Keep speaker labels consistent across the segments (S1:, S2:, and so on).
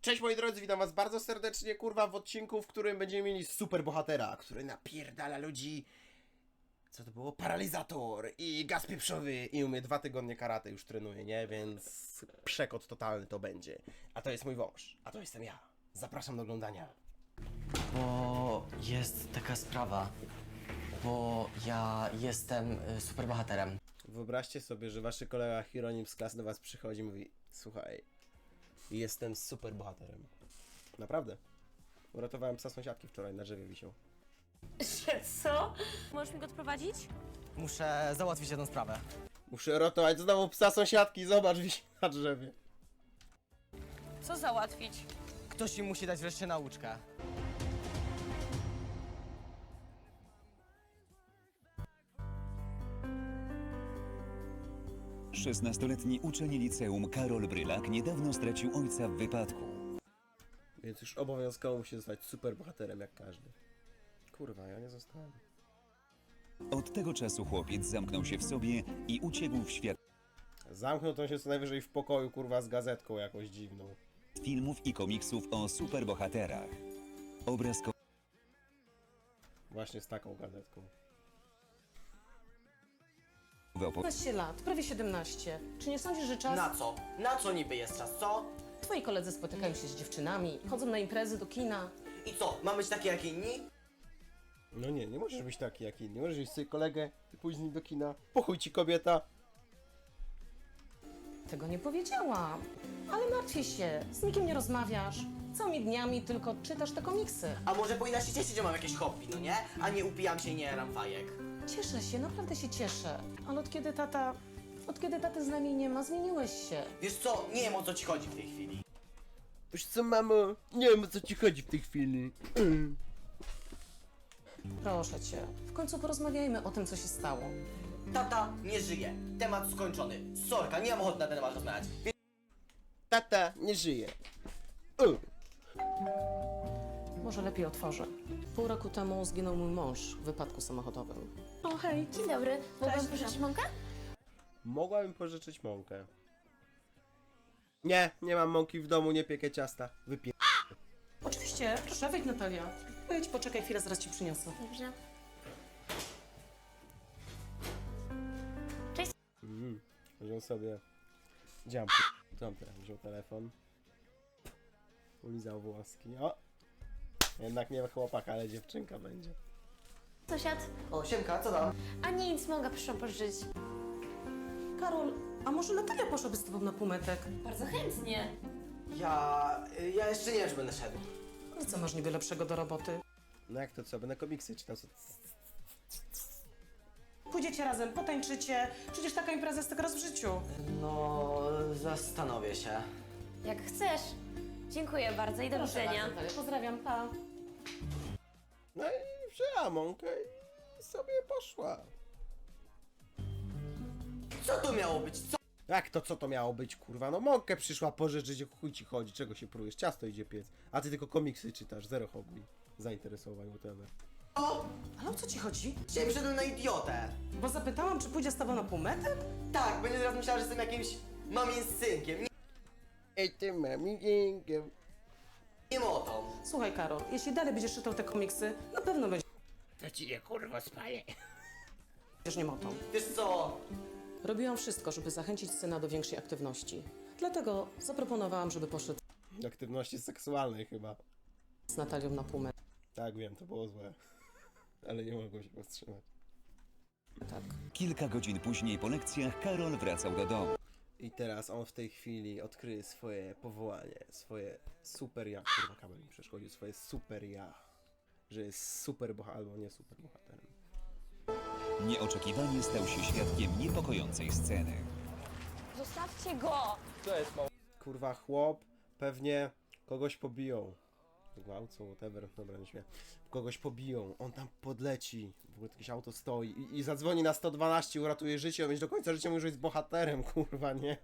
S1: Cześć moi drodzy, witam was bardzo serdecznie, kurwa, w odcinku, w którym będziemy mieli super bohatera, który napierdala ludzi. Co to było? Paralizator i gaz pieprzowy i umie 2 tygodnie karate już trenuje, nie? Więc przekot totalny to będzie. A to jest mój wąż, a to jestem ja. Zapraszam do oglądania.
S2: Bo jest taka sprawa, bo ja jestem superbohaterem.
S1: Wyobraźcie sobie, że wasz kolega Hieronim z klasy do was przychodzi i mówi: słuchaj, jestem super bohaterem. Naprawdę. Uratowałem psa sąsiadki wczoraj, na drzewie wisiał.
S3: Że co? Możesz mi go odprowadzić?
S2: Muszę załatwić jedną sprawę.
S1: Muszę ratować znowu psa sąsiadki, zobacz, wisi na drzewie.
S3: Co załatwić?
S2: Ktoś im musi dać wreszcie nauczkę.
S4: Szesnastoletni uczeń liceum Karol Brylak niedawno stracił ojca w wypadku.
S1: Więc już obowiązkowo musi zostać super bohaterem jak każdy. Kurwa, ja nie zostałem.
S4: Od tego czasu chłopiec zamknął się w sobie i uciekł w świat
S1: Zamknął to się co najwyżej w pokoju, kurwa, z gazetką jakąś dziwną.
S4: filmów i komiksów o superbohaterach. Obraz
S1: Właśnie z taką gazetką.
S5: 15 lat, prawie 17. Czy nie sądzisz, że czas...
S2: Na co? Na co niby jest czas, co?
S5: Twoi koledzy spotykają się z dziewczynami, chodzą na imprezy, do kina.
S2: I co, ma być taki jak inni?
S1: No nie, nie możesz być taki jak inni. Możesz iść sobie kolegę, ty pójść z nim do kina. Po chuj ci kobieta.
S5: Tego nie powiedziałam. Ale martwię się, z nikim nie rozmawiasz. Całymi dniami tylko czytasz te komiksy.
S2: A może powinna się cieszyć, że mam jakieś hobby, no nie? A nie upijam się i nie jaram fajek.
S5: Cieszę się, naprawdę się cieszę. Ale od kiedy taty z nami nie ma, zmieniłeś się.
S2: Wiesz co, nie wiem o co ci chodzi w tej chwili.
S1: Wiesz co, mamo? Nie wiem, o co ci chodzi w tej chwili.
S5: Proszę cię, w końcu porozmawiajmy o tym, co się stało.
S2: Tata nie żyje. Temat skończony. Sorka, nie mam ochoty na ten temat rozmawiać.
S1: Tata nie żyje.
S5: Może lepiej otworzę. Pół roku temu zginął mój mąż w wypadku samochodowym.
S3: O hej, dzień dobry. Mogłam pożyczyć mąkę?
S1: Mogłabym pożyczyć mąkę. Nie, nie mam mąki w domu, nie piekę ciasta. Wypiję.
S5: Oczywiście, proszę, wejdź Natalia. Wejdź, poczekaj chwilę, zaraz ci przyniosę.
S3: Dobrze.
S1: Wziął sobie dziam. Tam teraz wziął telefon. Ulizał włoski. O! Jednak nie chłopak, ale dziewczynka będzie.
S3: Sąsiad?
S2: O, siemka, co tam?
S3: A nic, mogę proszę pożyczyć.
S5: Karol, a może Natalia poszłaby z tobą na półmetek?
S3: Bardzo chętnie.
S2: Ja jeszcze nie wiem, czy będę szedł.
S5: No co masz niby lepszego do roboty?
S1: No jak to co? Będę komiksy czytał. Co?
S5: Pójdziecie razem, potańczycie. Przecież taka impreza jest tylko raz w życiu.
S2: No, zastanowię się.
S3: Jak chcesz. Dziękuję bardzo i do
S5: Proszę
S3: widzenia.
S5: bardzo, Natalia. Pozdrawiam, pa.
S1: No i wzięła mąkę i sobie poszła.
S2: Co tu miało być? Co?
S1: Jak to co to miało być, kurwa? No mąkę przyszła pożyczyć, o chuj ci chodzi, czego się prójesz? Ciasto idzie piec. A ty tylko komiksy czytasz, zero hobby. Zainteresowań, whatever.
S5: Ale o co ci chodzi?
S2: Dzisiaj wyszedłem na idiotę.
S5: Bo zapytałam, czy pójdzie z tobą na półmetek?
S2: Tak, będzie teraz myślała, że jestem jakimś mamim synkiem.
S1: Ej ty mami, dziękuję.
S2: Nie motą.
S5: Słuchaj, Karol, jeśli dalej będziesz czytał te komiksy, na pewno
S1: To ci je kurwa spaję.
S5: będziesz niemotą.
S2: Wiesz co?
S5: Robiłam wszystko, żeby zachęcić syna do większej aktywności. Dlatego zaproponowałam, żeby poszedł
S1: Aktywności seksualnej chyba.
S5: z Natalią na półmetek.
S1: Tak, wiem, to było złe. Ale nie mogłem się powstrzymać.
S5: Tak.
S4: Kilka godzin później po lekcjach Karol wracał do domu.
S1: I teraz on w tej chwili odkryje swoje powołanie, swoje super ja. Kurwa, kabel mi przeszkodził, swoje super ja. Że jest super bohaterem, albo nie super bohaterem.
S4: Nieoczekiwanie stał się świadkiem niepokojącej sceny.
S3: Zostawcie go!
S1: Kurwa, chłop, pewnie kogoś pobiją. Gwałcą, whatever, dobra, nie śmieję. Kogoś pobiją, on tam podleci, w ogóle jakieś auto stoi i zadzwoni na 112, uratuje życie, on będzie do końca życia mówił, że jest bohaterem, kurwa, nie?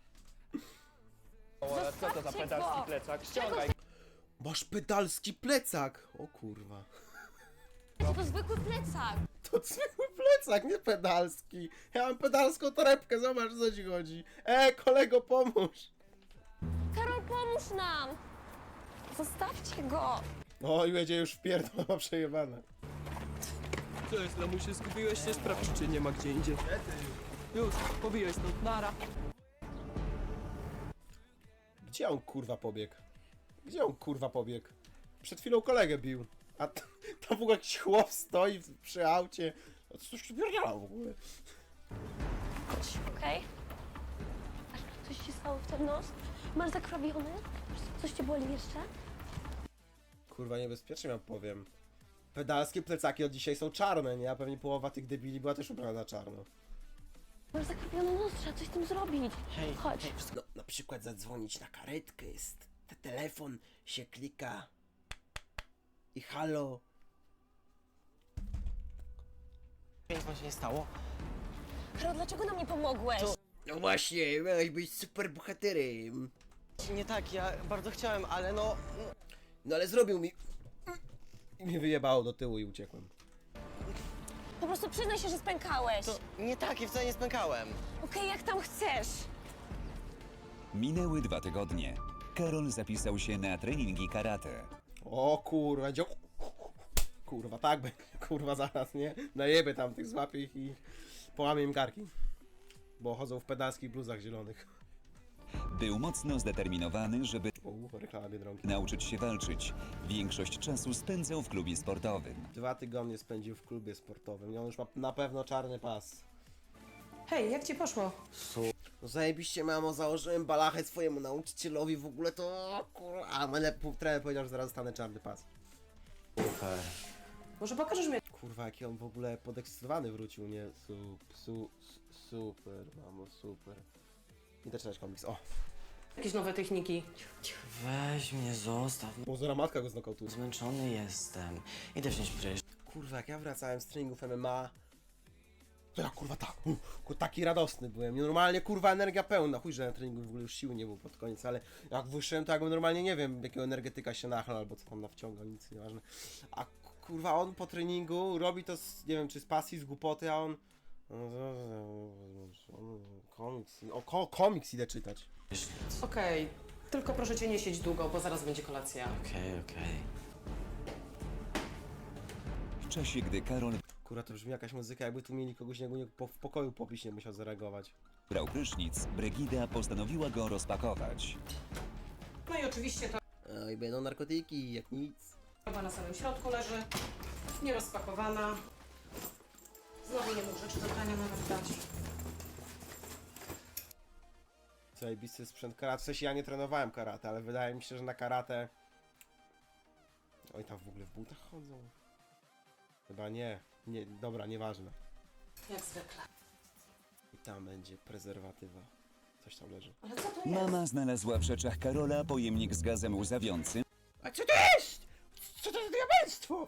S3: Co to za pedalski plecak? Ściągaj!
S1: Masz pedalski plecak! O kurwa.
S3: To zwykły plecak.
S1: To zwykły plecak, nie pedalski. Ja mam pedalską torebkę, zobacz, co ci chodzi. Kolego, pomóż!
S3: Karol, pomóż nam! Zostawcie go!
S1: O, i będzie już wpierdol, ma przejebane.
S6: Co jest, lamusie, zgubiłeś się? Sprawdź, czy nie ma gdzie indziej. Już, pobiłeś stąd, nara.
S1: Gdzie on kurwa pobiegł? Gdzie on kurwa pobiegł? Przed chwilą kolegę bił. A tam w ogóle jakiś chłop stoi przy aucie. A coś tu pierdzielał w ogóle.
S3: Chodź, okej? Coś ci stało w ten nos? Masz zakrawiony? Coś cię boli jeszcze?
S1: Kurwa, niebezpiecznie wam powiem. Pedalskie plecaki od dzisiaj są czarne, nie? A pewnie połowa tych debili była też ubrana na czarno.
S3: Masz zakrawiony nos, trzeba coś z tym zrobić.
S2: Hej,
S3: Chodź.
S1: No, na przykład zadzwonić na karetkę, jest telefon, się klika i halo.
S2: Nic wam się nie stało?
S3: Karol, dlaczego nam nie pomogłeś?
S1: No właśnie, miałeś być super bohaterem.
S2: Nie tak, ja bardzo chciałem, ale no...
S1: No ale zrobił mi... I mnie wyjebało do tyłu i uciekłem.
S3: Po prostu przyznaj się, że spękałeś.
S2: To nie tak, ja wcale nie spękałem.
S3: Okej, jak tam chcesz.
S4: Minęły 2 tygodnie. Karol zapisał się na treningi karate.
S1: O kurwa, będzie... Kurwa, tak będzie, kurwa zaraz, nie? Najebę tam tych, złapię ich i połamię im karki. Bo chodzą w pedalskich bluzach zielonych.
S4: Był mocno zdeterminowany, żeby
S1: Reklama Biedronki.
S4: nauczyć się walczyć. Większość czasu spędzał w klubie sportowym.
S1: 2 tygodnie spędził w klubie sportowym i on już ma na pewno czarny pas.
S5: Hej, jak ci poszło?
S1: No zajebiście, mamo, założyłem balachę swojemu nauczycielowi, w ogóle to... Kurwa, ale trener powiedział, że zaraz dostanę czarny pas.
S2: Super.
S5: Może pokażesz mi?
S1: Kurwa, jaki on w ogóle podekscytowany wrócił, nie? Super, mamo, super. Idę czytać komiks, o.
S5: Jakieś nowe techniki?
S2: Weź mnie, zostaw.
S1: Pozora matka go znokautuje.
S2: Zmęczony jestem. Idę wziąć prysz.
S1: Kurwa, jak ja wracałem z treningów MMA, to ja kurwa tak, taki radosny byłem. Normalnie kurwa energia pełna. Chuj, że na treningu w ogóle już siły nie było pod koniec, ale jak wyszedłem, to jakbym normalnie nie wiem, jakiego energetyka się nachlał albo co tam nawciągał, nic nieważne. A kurwa on po treningu robi to z, nie wiem, czy z pasji, z głupoty, a on... Komiks idę czytać.
S5: Okej, tylko proszę cię nie siedź długo, bo zaraz będzie kolacja.
S2: Okej.
S4: W czasie, gdy Karol
S1: Kurwa, to brzmi jakaś muzyka, jakby tu mieli kogoś w pokoju popić, nie musiał zareagować.
S4: brał prysznic, Brygida postanowiła go rozpakować.
S5: No i oczywiście ta
S1: Oj, będą narkotyki, jak nic.
S5: torba na samym środku leży, nierozpakowana. Znowu nie mógł rzeczy do prania nawet dać.
S1: Zajebisty sprzęt karate. W sensie ja nie trenowałem karate, ale wydaje mi się, że na karate... Oj, tam w ogóle w butach chodzą? Chyba nie. Nie, dobra, nieważne.
S5: Jak zwykle.
S1: I tam będzie prezerwatywa. Coś tam leży.
S5: Ale co to jest?
S4: Mama znalazła w rzeczach Karola pojemnik z gazem łzawiącym,
S1: A co to jest? Co to jest diabelstwo?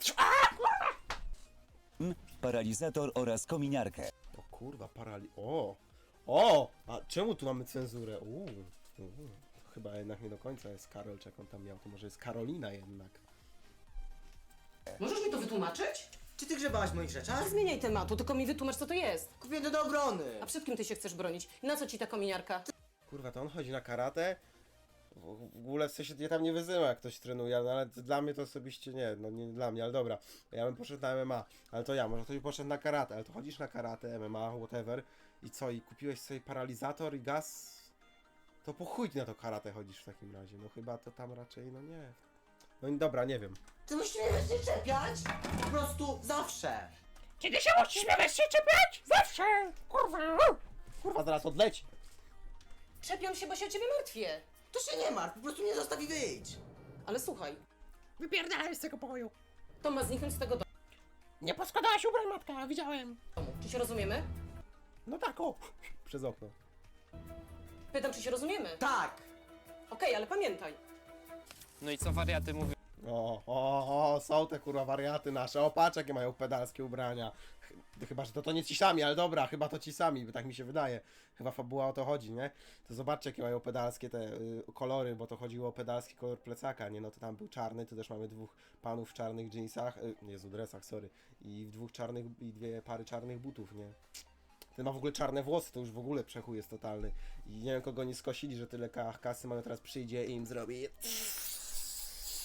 S4: paralizator oraz kominiarkę.
S1: O kurwa, O! A czemu tu mamy cenzurę? To chyba jednak nie do końca jest Karol, czy jak on tam miał. To może jest Karolina jednak.
S5: Możesz mi to wytłumaczyć?
S2: Czy ty grzebałaś w moich rzeczach?
S5: Nie zmieniaj tematu, tylko mi wytłumacz, co to jest.
S2: Kupię do obrony.
S5: A przed kim ty się chcesz bronić? I na co ci ta kominiarka?
S1: Kurwa, to on chodzi na karate? W ogóle w sensie ja tam nie wyzywam, jak ktoś trenuje, no ale dla mnie to osobiście nie, no nie dla mnie, ale dobra. Ja bym poszedł na MMA, ale to ja, może ktoś poszedł na karate, ale to chodzisz na karate, MMA, whatever i co, i kupiłeś sobie paralizator i gaz? To po chuj ty na to karate chodzisz w takim razie, no chyba to tam raczej, no nie. No i dobra, nie wiem.
S2: Ty musisz mnie wreszcie czepiać? Po prostu zawsze.
S1: Kiedy się musisz mnie wreszcie czepiać? Zawsze! Kurwa! Kurwa, zaraz odleci.
S5: Czepiam się, bo się o ciebie martwię.
S2: To się nie martw, po prostu mnie zostaw i wyjdź.
S5: Ale słuchaj,
S1: Wypierdalaj z tego pokoju.
S5: to ma zniknąć z tego
S1: Nie poskładałaś ubrań, matka, widziałem.
S5: domu. Czy się rozumiemy?
S1: No tak, o, przez okno.
S5: Pytam, czy się rozumiemy?
S2: Tak.
S5: Okej, ale pamiętaj.
S6: No i co wariaty mówią?
S1: Są te kurwa wariaty nasze. O, patrz jakie mają pedalskie ubrania. Chyba, że to nie ci sami, ale dobra, chyba to ci sami, bo tak mi się wydaje. Chyba fabuła o to chodzi, nie? To zobaczcie jakie mają pedalskie te kolory, bo to chodziło o pedalski kolor plecaka, nie? No to tam był czarny, tu też mamy 2 panów w czarnych jeansach, Jezu, dresach, sorry. I w 2 czarnych, i 2 pary czarnych butów, nie? Ten ma w ogóle czarne włosy, to już w ogóle przechuj jest totalny. I nie wiem kogo nie skosili, że tyle kasy mają, teraz przyjdzie i im zrobi...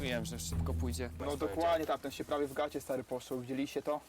S6: Wiem, że szybko pójdzie.
S7: No dokładnie tak, ten się prawie w gacie stary poszło, widzieliście to?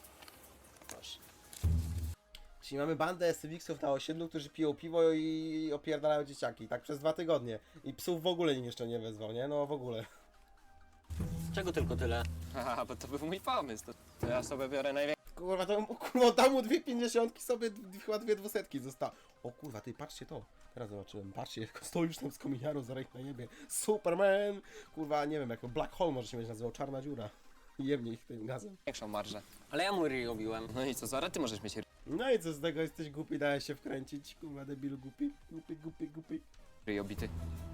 S1: Czyli mamy bandę SWX-ów na osiedlu, którzy piją piwo i opierdalają dzieciaki, tak przez 2 tygodnie. I psów w ogóle nikt jeszcze nie wezwał, nie? No w ogóle.
S2: Czego tylko tyle?
S6: Haha, bo to był mój pomysł. To ja sobie biorę największy.
S1: Kurwa, to kurwa, dam mu 2 50 sobie chyba 2 200 zostało. O kurwa, ty patrzcie to. Teraz zobaczyłem, patrzcie, stoi już tam z kominiarą, zaraz na niebie. Superman! Kurwa, nie wiem, jak Black Hole może się mieć nazywał, czarna dziura. I jemnie ich tym gazem.
S6: Większą marżę. Ale ja mu ryj robiłem. No i co, zaraz ty możesz mieć
S1: No i co z tego, jesteś głupi, dałeś się wkręcić, kurwa, debilu głupi. Głupi.
S6: ryj obity.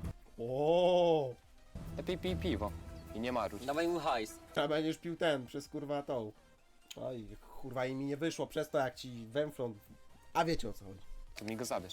S1: O,
S6: Lepiej pij piwo. I nie maruć.
S2: Dawaj mu hajs.
S1: trzeba będziesz pił ten, przez kurwa tą. Oj, kurwa, i mi nie wyszło przez to, jak ci węflą. A wiecie o co chodzi.
S6: To mi go zabierz.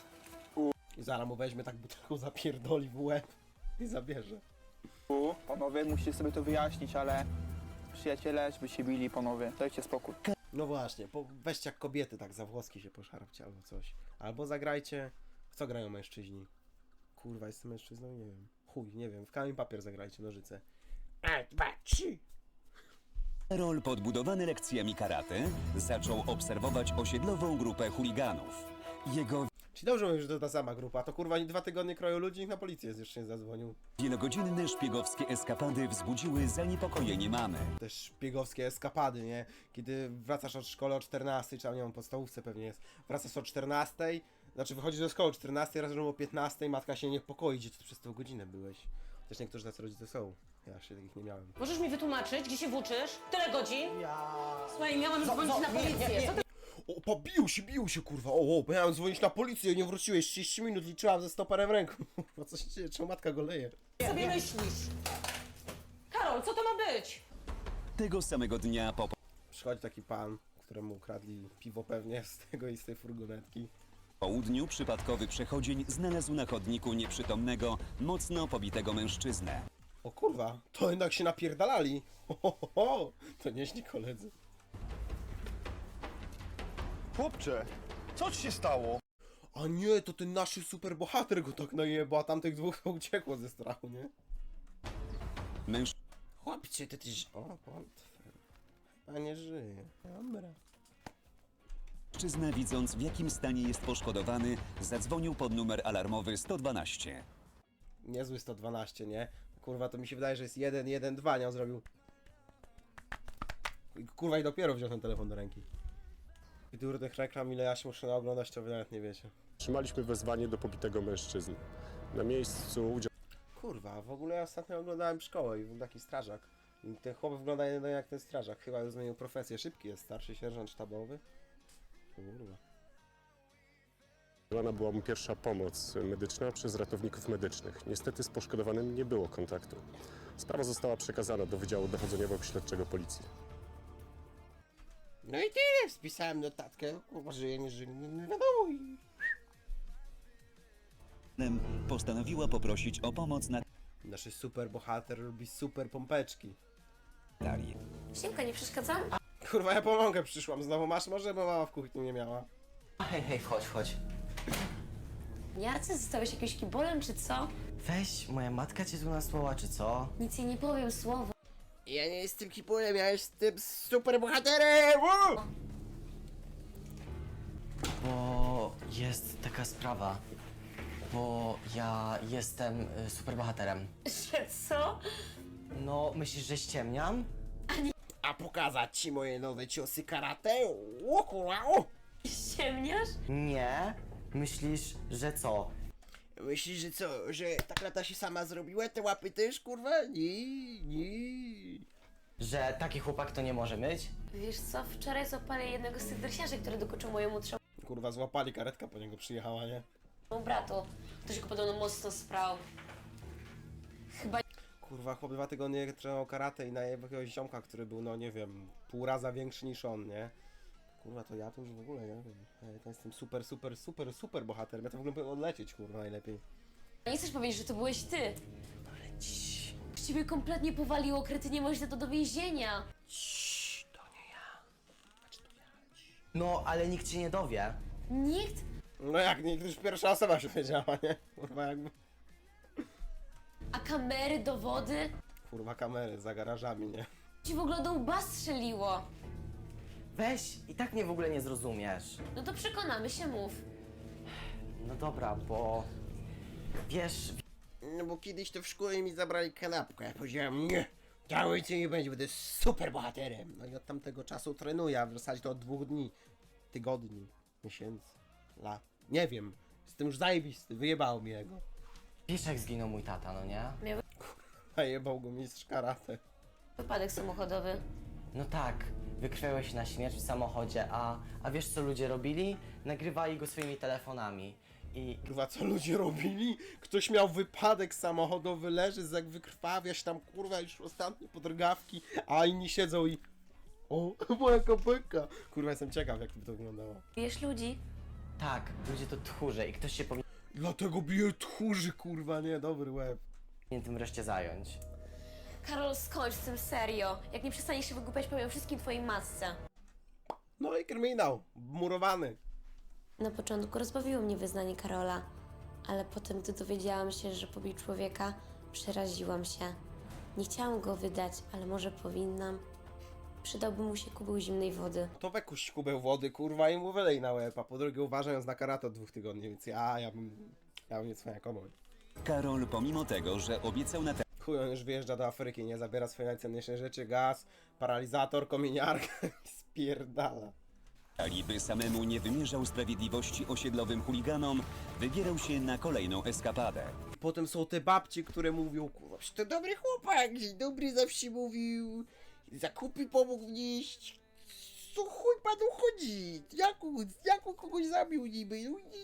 S1: I zaraz mu weźmie tak butelką, zapierdoli w łeb i zabierze.
S7: Panowie, musicie sobie to wyjaśnić, ale przyjaciele, żeby się bili, panowie, dajcie spokój.
S1: No właśnie, weźcie jak kobiety tak za włoski się poszarpcie albo coś. Albo zagrajcie. W co grają mężczyźni? Kurwa, jestem mężczyzną? Nie wiem. Chuj, nie wiem. W kamień papier zagrajcie, nożyce. 1, 2, 3.
S4: Karol, podbudowany lekcjami karate, zaczął obserwować osiedlową grupę chuliganów. Jego
S1: Czyli dobrze mówisz, że to ta sama grupa. To kurwa 2 tygodnie kroją ludzi, nikt na policję jeszcze nie zadzwonił.
S4: wielogodzinne szpiegowskie eskapady wzbudziły zaniepokojenie mamy.
S1: Też szpiegowskie eskapady, nie? Kiedy wracasz od szkoły o 14, czy tam nie wiem, podstawówce pewnie jest. Wracasz o 14, znaczy wychodzisz do szkoły o 14, raz o 15, matka się niepokoi, gdzie ty przez tą godzinę byłeś. Też niektórzy tacy rodzice są. Ja jeszcze takich nie miałem.
S5: Możesz mi wytłumaczyć, gdzie się włóczysz? Tyle godzin? Słuchaj, miałam dzwonić na policję. Co ty
S1: O, bił się kurwa, bo miałem dzwonić na policję, nie wróciłeś, 30 minut liczyłam ze stoperem w ręku. Kurwa, co się dzieje, czemu matka go leje?
S5: sobie myślisz? Karol, co to ma być?
S4: Tego samego dnia po
S1: Przychodzi taki pan, któremu ukradli piwo pewnie z tego i z tej furgonetki.
S4: południu przypadkowy przechodzień znalazł na chodniku nieprzytomnego, mocno pobitego mężczyznę.
S1: O kurwa, to jednak się napierdalali. To nieźli koledzy.
S8: Chłopcze, co ci się stało?
S1: A nie, to ten nasz superbohater go tak najebał, a tamtych dwóch to uciekło ze strachu, nie? Chłopcie, ty też... O, portfel. Chyba nie żyje. Dobra.
S4: Mężczyzna, widząc w jakim stanie jest poszkodowany, zadzwonił pod numer alarmowy 112.
S1: Niezły 112, nie? Kurwa, to mi się wydaje, że jest 112, nie? On zrobił... Kurwa, i dopiero wziął ten telefon do ręki. I durnych reklam, ile ja się muszę naoglądać, to wy nawet nie wiecie.
S9: Otrzymaliśmy wezwanie do pobitego mężczyzny. Na miejscu udział
S1: Kurwa, w ogóle ja ostatnio oglądałem szkołę i był taki strażak. I ten chłop wygląda jeden jak ten strażak. Chyba już zmienił profesję. Szybki jest, starszy sierżant sztabowy. Kurwa.
S9: udzielona była mu pierwsza pomoc medyczna przez ratowników medycznych. Niestety z poszkodowanym nie było kontaktu. Sprawa została przekazana do Wydziału Dochodzeniowego-Śledczego Policji.
S1: No i tyle, spisałem notatkę. Kurwa, żyje, nie żyje, nie wiadomo. I...
S4: Postanowiła poprosić o pomoc
S1: Nasz super bohater lubi super pompeczki.
S4: Natalię.
S3: Siemka, nie przeszkadzam?
S1: Kurwa, ja pomogę, przyszłam. Znowu masz może, bo mama w kuchni nie miała.
S2: Hej, wchodź.
S3: Jarce, zostałeś jakimś kibolem, czy co?
S2: Weź, moja matka cię tu nasłała, czy co?
S3: Nic jej nie powiem, słowo.
S1: Ja nie jestem kipulem, ja jestem super bohaterem!
S2: Bo jest taka sprawa. Bo ja jestem superbohaterem.
S3: Że co?
S2: No, myślisz, że ściemniam?
S1: A pokazać ci moje nowe ciosy karate? O kurwa, o!
S3: Ciemniasz?
S2: Nie. Myślisz, że co?
S1: Myślisz, że co, że ta klata się sama zrobiła? Te łapy też, kurwa? Nie.
S2: Że taki chłopak to nie może myć?
S3: Wiesz co, wczoraj złapali jednego z tych dresiarzy, który dokuczył mojemu trzeciemu
S1: Kurwa, złapali, karetka po niego przyjechała, nie?
S3: bratu. Ktoś go podobno mocno sprał. Chyba
S1: Kurwa, chłop 2 tygodnie trenował karate i najebał jakiegoś ziomka, który był, no nie wiem, pół raza większy niż on, nie? Kurwa, to ja to już w ogóle, nie wiem. Ja to jestem super bohater. Ja to w ogóle powinien odlecieć, kurwa, najlepiej.
S3: nie chcesz powiedzieć, że to byłeś ty. Ciebie kompletnie powaliło, kretynie, możesz za to do więzienia.
S1: To nie ja. Znaczy to ja.
S2: No, ale nikt cię nie dowie.
S3: Nikt?
S1: No jak, nie, już pierwsza osoba się wiedziała, nie? Kurwa, jakby...
S3: A kamery, dowody?
S1: Kurwa kamery za garażami, nie?
S3: Ci w ogóle do łba strzeliło.
S2: Weź, i tak mnie w ogóle nie zrozumiesz.
S3: No to przekonamy się, mów.
S2: No dobra, bo... Wiesz,
S1: No bo kiedyś to w szkole mi zabrali kanapkę. Ja powiedziałem, nie, cały dzień nie będzie, będę super bohaterem. No i od tamtego czasu trenuję, a w zasadzie to od 2 dni, tygodni, miesięcy, lat. Nie wiem, jestem już zajebisty, wyjebał mi jego.
S2: wiesz jak zginął mój tata, no nie?
S1: Zajebał go mistrz karate.
S3: Wypadek samochodowy.
S2: No tak, wykrwiałeś się na śmierć w samochodzie, a wiesz co ludzie robili? Nagrywali go swoimi telefonami. I
S1: Kurwa, co ludzie robili? Ktoś miał wypadek samochodowy, leży, wykrwawia się tam, kurwa, już ostatnie podrgawki, a inni siedzą i... O, moja kopyka! Kurwa, jestem ciekaw, jak by to wyglądało.
S3: Bijesz ludzi?
S2: tak, ludzie to tchórze i ktoś się
S1: Dlatego bije tchórzy, kurwa, nie, dobry łeb.
S2: powinien tym wreszcie zająć.
S3: Karol, skończ z tym serio. Jak nie przestaniesz się wygłupiać, powiem wszystkim twojej masce.
S1: No i kryminał, murowany.
S3: Na początku rozbawiło mnie wyznanie Karola, ale potem, gdy dowiedziałam się, że pobił człowieka, przeraziłam się. Nie chciałam go wydać, ale może powinnam. Przydałby mu się kubeł zimnej wody.
S1: To wekuś kubeł wody, kurwa, i mu wylej na łeb, a po drugie uważając na karate od 2 tygodni, więc ja bym nie cwaniakował.
S4: Karol, pomimo tego, że obiecał na
S1: Chuj, on już wyjeżdża do Afryki, nie zabiera swojej najcenniejszej rzeczy, gaz, paralizator, kominiarkę i spierdala.
S4: talii, by samemu nie wymierzał sprawiedliwości osiedlowym chuliganom, wybierał się na kolejną eskapadę.
S1: Potem są te babcie, które mówią, kurwa, przecież to dobry chłopak, dzień dobry zawsze mówił, zakupy pomógł wnieść. Co chuj panu chodzi? Jak kogoś zabił niby?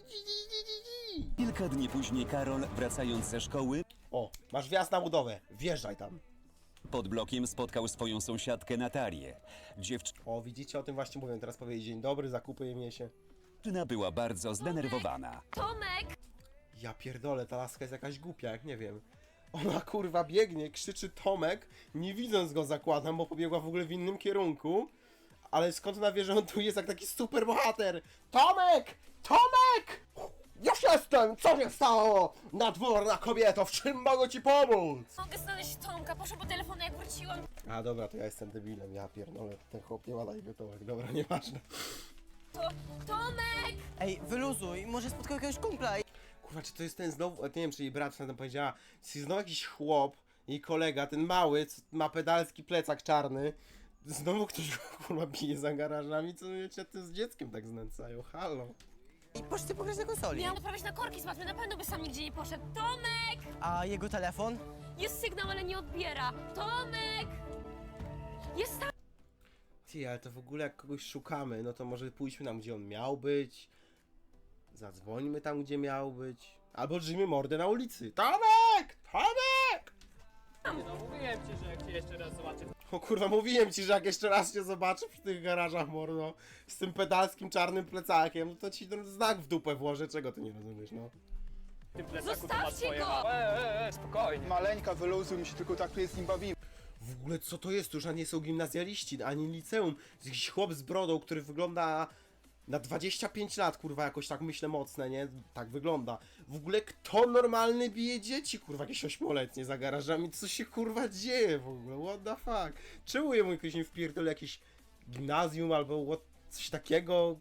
S4: Kilka dni później Karol, wracając ze szkoły,
S1: O, masz wjazd na budowę, wjeżdżaj tam.
S4: pod blokiem spotkał swoją sąsiadkę Natalię.
S1: O, widzicie, o tym właśnie mówię, teraz powiedzieć dzień dobry, zakupy je się.
S4: Dziewczyna była bardzo zdenerwowana.
S3: Tomek!
S1: Ja pierdolę, ta laska jest jakaś głupia, jak nie wiem. Ona kurwa biegnie, krzyczy Tomek, nie widząc go zakładam, bo pobiegła w ogóle w innym kierunku. Ale skąd ona wie, że on tu jest jak taki super bohater? Tomek! Tomek! Już jestem! Co się stało? Nadworna kobieto, w czym mogę ci pomóc?
S3: Mogę znaleźć Tomka, poszła po telefon, jak wróciłam.
S1: A dobra, to ja jestem debilem, ja pierdolę, ten chłop nie ma na imię Tomek, dobra, nieważne.
S3: Tomek!
S2: Ej, wyluzuj, może spotkał jakiegoś kumpla.
S1: Kurwa, czy to jest ten znowu, nie wiem, czy jej brat tam powiedziała, czy znowu jakiś chłop, jej kolega, ten mały, co ma pedalski plecak czarny, znowu ktoś go, kurwa, bije za garażami, co wiecie, ty z dzieckiem tak znęcają, halo.
S2: I poszli pograć na konsoli.
S3: Miałam odprawiać na korki z matmy, na pewno by sam nigdzie nie poszedł. Tomek!
S2: A jego telefon?
S3: Jest sygnał, ale nie odbiera. Tomek! Jest tam!
S1: Ty, ale to w ogóle jak kogoś szukamy, no to może pójdźmy tam, gdzie on miał być, zadzwońmy tam, gdzie miał być, albo drzyjmy mordę na ulicy. Tomek! Tomek!
S6: No mówiłem ci, że jak cię jeszcze raz zobaczę,
S1: O kurwa, mówiłem ci, że jak jeszcze raz cię zobaczę przy tych garażach, mordo, z tym pedalskim czarnym plecakiem, no to ci ten znak w dupę włożę, czego ty nie rozumiesz, no.
S6: w tym plecaku to ma
S3: Zostawcie
S6: swoje...
S3: go!
S6: Spokojnie.
S7: Maleńka, wyluzuj, my się tylko tak tu z nim bawimy.
S1: W ogóle co to jest? To już nie są gimnazjaliści, ani liceum. Jest jakiś chłop z brodą, który wygląda na 25 lat, kurwa, jakoś tak myślę mocne, nie? Tak wygląda. W ogóle kto normalny bije dzieci, kurwa, jakieś 8-letnie za garażami? Co się, kurwa, dzieje w ogóle? What the fuck? Czemu jemu jakoś nie wpierdolę jakieś gimnazjum albo coś takiego?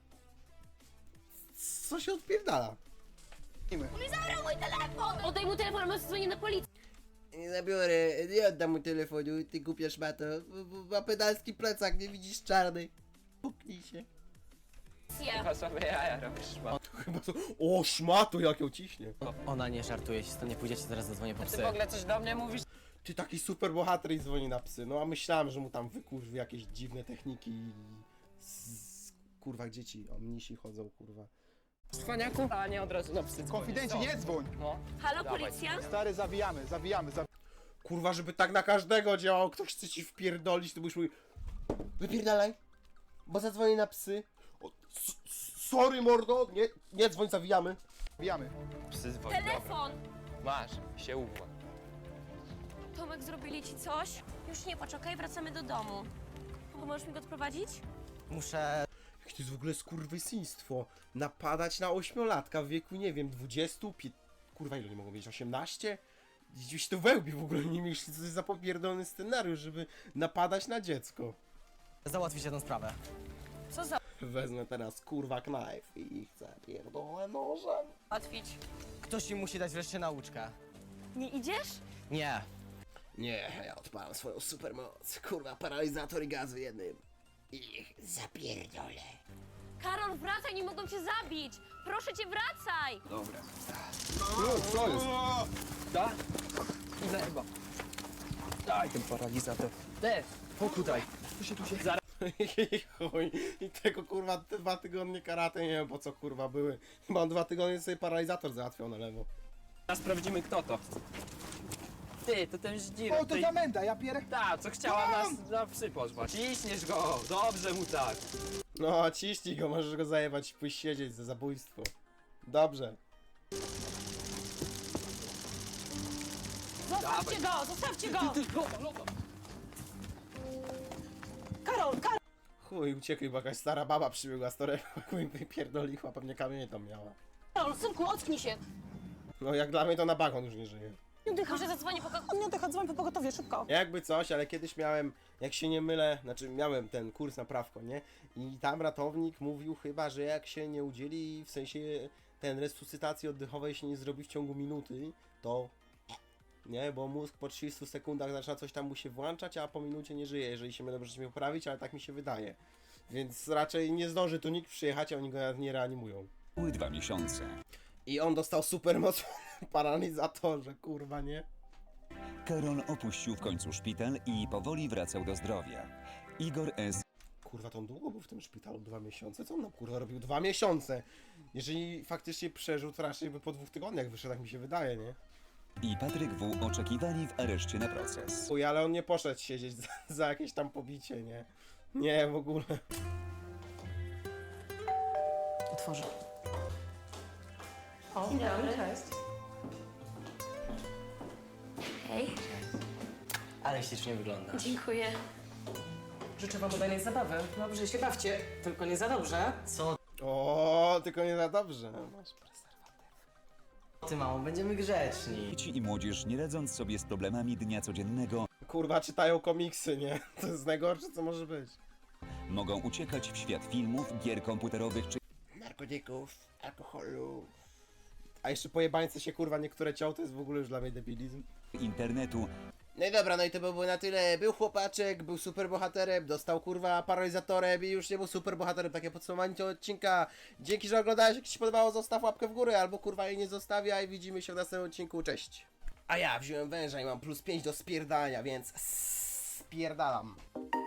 S1: Co się odpierdala?
S3: Zabrał mój telefon! Oddaj mu telefon, albo dzwonię na policję.
S1: Nie zabiorę, nie oddam mu telefonu, ty głupia szmato. Ma pedalski plecak, nie widzisz czarny. Puknij się.
S6: Chyba sobie jaja robisz, ma.
S1: Chyba to... O, szmato, jak ją ciśnie.
S2: Ona nie żartuje, jeśli to nie pójdziecie, zaraz zadzwonię po
S6: Ty
S2: psy.
S6: w ogóle coś do mnie mówisz?
S1: Ty taki super bohater i dzwoni na psy. No a myślałem, że mu tam wykurwi jakieś dziwne techniki kurwa dzieci, o mnisi chodzą, kurwa.
S6: Cwaniaku? A nie od razu na psy dzwonię.
S7: Konfidencie, nie dzwoń!
S6: No.
S3: Halo,
S6: Dawaj.
S3: policja?
S7: Stary, zawijamy.
S1: Kurwa, żeby tak na każdego działał, ktoś chce ci wpierdolić, to byś mówił wypierdalaj, bo zadzwoni na psy. O, sorry mordo, nie dzwoń, zawijamy.
S6: Psy dzwoni,
S3: Telefon!
S6: Masz, się uwła.
S3: Tomek, zrobili ci coś? Już nie płacz, okej? Wracamy do domu. Możesz mi go odprowadzić?
S2: Muszę...
S1: Jakie to jest w ogóle skurwysyństwo. Napadać na 8-latka w wieku, nie wiem, 20, kurwa ile nie mogą mieć, 18? Gdzieś to wełbi w ogóle, nie myśli, co to jest za popierdolony scenariusz, żeby napadać na dziecko.
S2: Załatwić jedną sprawę.
S1: Wezmę teraz kurwa knife i chcę pierdolę nożem.
S10: Łatwić.
S2: Ktoś im musi dać wreszcie nauczkę.
S10: Nie idziesz?
S2: Nie.
S1: Nie, ja odpalam swoją supermoc. Kurwa, paralizator i gaz w jednym. Ich zapierdolę.
S10: Karol, wracaj, nie mogą cię zabić! Proszę cię, wracaj!
S6: Dobra. Co jest? Da? Idę chyba. Daj ten paralizator. Tutaj. Zaraz.
S1: I chuj. I tego kurwa 2 tygodnie karate, nie wiem po co kurwa były. Mam 2 tygodnie sobie paralizator załatwiał na lewo.
S6: Sprawdzimy kto to. Ty, to ten żdzir.
S7: O, to zamęda, ja pierę...
S6: Ta, co chciała nas przypożwać. Ciśniesz go, dobrze mu tak.
S1: No, ciśnij go, możesz go zajebać, pójść siedzieć za zabójstwo. Dobrze.
S5: Zostawcie go! Zostawcie go! Karol, Karol!
S1: Chuj, uciekli, bo jakaś stara baba przybiegła z torebką i wypierdoliła, pewnie kamienie tam miała.
S5: Synku, ocknij się!
S1: No jak dla mnie to na bagon już nie żyje.
S5: Nie oddycha,
S10: Może zadzwonię po
S5: on nie oddycha, dzwoń po pogotowie, szybko!
S1: Jakby coś, ale kiedyś miałem, jak się nie mylę, znaczy miałem ten kurs na prawko, nie? I tam ratownik mówił chyba, że jak się nie udzieli, w sensie ten resuscytacji oddechowej się nie zrobi w ciągu minuty, to nie, bo mózg po 30 sekundach zaczyna coś tam mu się włączać, a po minucie nie żyje, jeżeli się mylę, możecie mnie poprawić, ale tak mi się wydaje. Więc raczej nie zdąży tu nikt przyjechać, a oni go nawet nie reanimują.
S4: Były 2 miesiące.
S1: I on dostał supermoc w paralizatorze, kurwa, nie?
S4: Karol opuścił w końcu szpital i powoli wracał do zdrowia. Igor S.
S1: Kurwa, to on długo był w tym szpitalu, 2 miesiące? Co on nam kurwa robił 2 miesiące? Jeżeli faktycznie przeżył, to raczej by po 2 tygodniach wyszedł, tak mi się wydaje, nie?
S4: i Patryk W. oczekiwali w areszcie na proces.
S1: Uj, ale on nie poszedł siedzieć za jakieś tam pobicie, nie? Nie, w ogóle.
S5: Otworzę. O, cześć.
S3: Hej,
S2: Ale ślicznie wygląda.
S3: dziękuję.
S5: Życzę wam udanej zabawy. Dobrze się bawcie, tylko nie za dobrze.
S2: Co
S1: O, tylko nie za dobrze. Masz prezerwatyw.
S2: ty, mamo, będziemy grzeczni.
S4: Dzieci i młodzież, nie radząc sobie z problemami dnia codziennego,
S1: Kurwa, czytają komiksy, nie? To jest najgorsze, co może być.
S4: mogą uciekać w świat filmów, gier komputerowych czy
S1: Narkotyków, alkoholu. A jeszcze pojebańce się kurwa niektóre ciął, to jest w ogóle już dla mnie debilizm.
S4: internetu,
S1: No i dobra, no i to by było na tyle. Był chłopaczek, był superbohaterem, dostał kurwa paralizatorem i już nie był superbohaterem. Takie podsumowanie tego odcinka. Dzięki, że oglądałeś. Jak ci się podobało, zostaw łapkę w górę albo kurwa jej nie zostawiaj. Widzimy się w następnym odcinku. Cześć. A ja wziąłem węża i mam +5 do spierdania, więc spierdalam.